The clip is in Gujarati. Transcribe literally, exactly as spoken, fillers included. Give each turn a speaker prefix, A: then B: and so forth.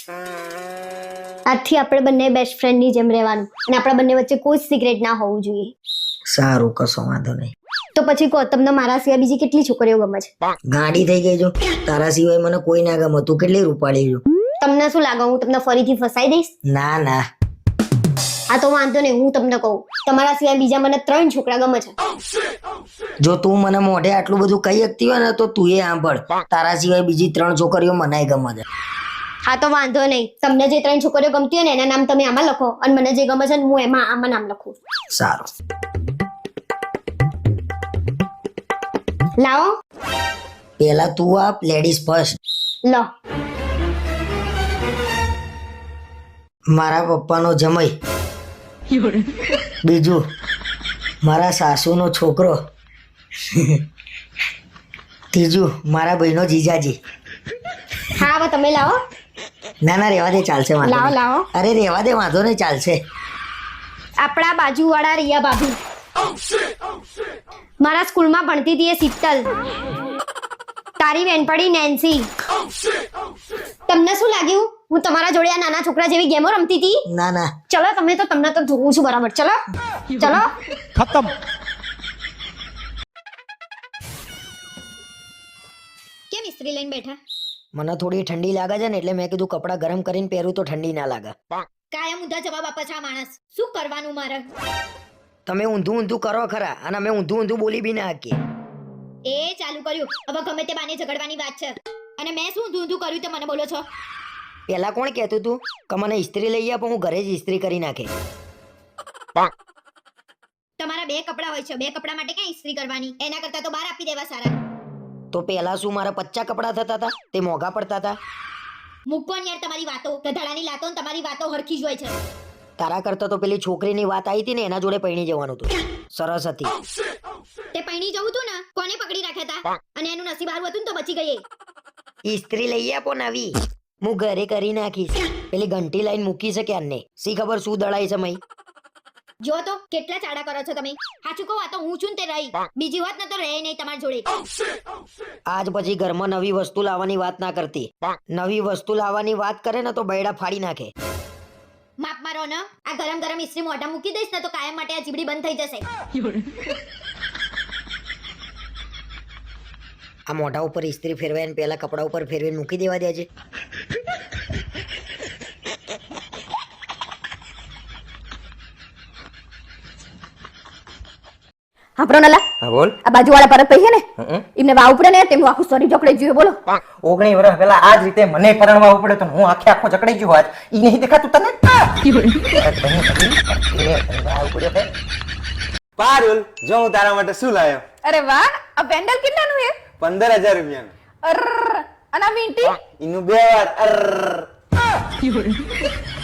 A: આજથી આપણે બંને બેસ્ટ ફ્રેન્ડ ની જેમ રહેવાનું અને આપણા બંને વચ્ચે કોઈ સિક્રેટ ના હોવું જોઈએ.
B: સારું, કશો વાંધો નહીં.
A: તો પછી કહો, તમને મારા સિવાય બીજી કેટલી છોકરીઓ ગમે છે?
B: ગાડી થઈ ગઈ જો, તારા સિવાય મને કોઈ ના ગમે. તું કેટલી રૂપાળી છું.
A: તમને શું લાગે હું તમને ફરીથી ફસાઈ દઈશ?
B: ના ના.
A: હા તો વાંધો નહીં, હું તમને કહું, તમારા સિવાય બીજા મને ત્રણ છોકરા ગમે છે.
B: જો તું મને મોઢે આટલું બધું કહી શકતી હોય ને તો તું એ સાંભળ, તારા સિવાય બીજી ત્રણ છોકરીઓ મનાય ગમે છે.
A: હા તો વાંધો નહીં, તમને જે ત્રણ છોકરીઓ ગમતી હોય ને એના નામ તમે આમાં લખો અને મને જે ગમે છે ને હું એમાં આમાં નામ લખું.
B: સારું.
A: લાવો.
B: પેલા તું આપ, લેડીઝ ફર્સ્ટ.
A: લો.
B: મારા પપ્પાનો જમાઈ. બીજું મારા સાસુનો છોકરો. ત્રીજું મારા ભાઈનો જીજાજી.
A: હા હવે તમે લાવો.
B: ના ના રેવા દે, ચાલશે. વાંધો
A: લાવો
B: નહીં.
A: લાવો.
B: અરે રેવા દે, વાંધો નહીં, ચાલશે.
A: આપણા બાજુવાળા રિયા ભાભી. મારા સ્કૂલમાં ભણતી હતી એ શીતલ. તારી બેનપણી નેન્સી. તમને શું લાગ્યું હું તમારા જોડે આ નાના છોકરા જેવી ગેમો રમતી હતી?
B: ના ના.
A: ચલો તમે તો તમને તો જોઉં છું બરાબર. ચલો ચલો
C: ખતમ.
A: કેમ ઇસ્ત્રી લઈને બેઠા?
B: મને થોડી ઠંડી લાગે છે ને એટલે મેં કીધું કપડા ગરમ કરીને પહેરું તો ઠંડી ના લાગે.
A: કાયમ ઊંધા જવાબ આપે છે આ માણસ. શું કરવાનું મારે?
B: તમે ઊંધું ઊંધું કરો ખરા અને અમે ઊંધું ઊંધું બોલી બી ના શકીએ.
A: એ ચાલુ કર્યું. હવે ગમે તે બાને ઝઘડવાની વાત છે અને મેં શું ઊંધું ઊંધું કર્યું તે મને બોલો છો?
B: પેલા કોણ કહેતું તું કે મને ઇસ્ત્રી લઈ આપો, હું ઘરે જ ઇસ્ત્રી કરી નાખે.
A: તમારા બે કપડા હોય છે, બે કપડા માટે ક્યાં ઇસ્ત્રી કરવાની? એના કરતા તો બહાર આપી દેવા સારા.
B: તો પેલા શું મારા પચ્ચા કપડા થતા હતા? તે મોંઘા પડતા હતા.
A: મૂકો ને યાર તમારી વાતો. ગધાડાની લાતો ને તમારી વાતો હરખી જ હોય છે.
B: તારા કરતા તો પેલી છોકરીની વાત આવી હતી ને એના જોડે પૈણી જવાનું હતું. સરસ હતી.
A: તે પૈણી જવું તું ને, કોને પકડી રાખ્યા હતા? અને એનું નસીબ સારું હતું ને તો બચી ગઈ.
B: ઇસ્ત્રી લઈ આપો નવી, હું ઘરે કરી નાખીશ. પેલી ઘંટી લાઈન મૂકી છે ક્યારને, સી ખબર શું દળાય છે મય.
A: જો તો કેટલા ચાડા કરો છો તમે. સાચું કહો, આ તો હું છું ને તે રહી. બીજી વાત ન તો રહે નહીં તમારી જોડે.
B: આજ પછી ઘરમાં નવી વસ્તુ લાવવાની વાત ના કરતી. નવી વસ્તુ લાવવાની વાત કરે ને તો બૈડા ફાડી નાખે.
A: માપ મારો ને, આ ગરમ ગરમ ઇસ્ત્રી મોઢા મૂકી દઈશ ને તો કાયમ માટે આ જીબડી બંધ થઈ જશે.
B: આ મોઢા ઉપર ઇસ્ત્રી ફેરવાય પેલા કપડા ઉપર ફેરવીને મૂકી દેવા દેજે.
D: આપણો નલા.
C: હા બોલ.
D: આ બાજુવાળા પરત પઈ છે ને, એમને વાવ પડે ને તેમનું આખું શરીર જકડાઈ ગયું. બોલો.
C: ઓગણી વર્ષ પહેલા આ જ રીતે મને પરણવા પડે તો હું આખે આખો જકડાઈ ગયો. આજ ઈ નહીં દેખાતું તને?
E: પારુલ, જો હું તારા માટે શું લાયો.
D: અરે વાહ, આ પેન્ડલ કેટલાનું છે?
E: પંદર હજાર રૂપિયાનું.
D: અર અને આ વીંટી?
E: એનું બે વાર અર.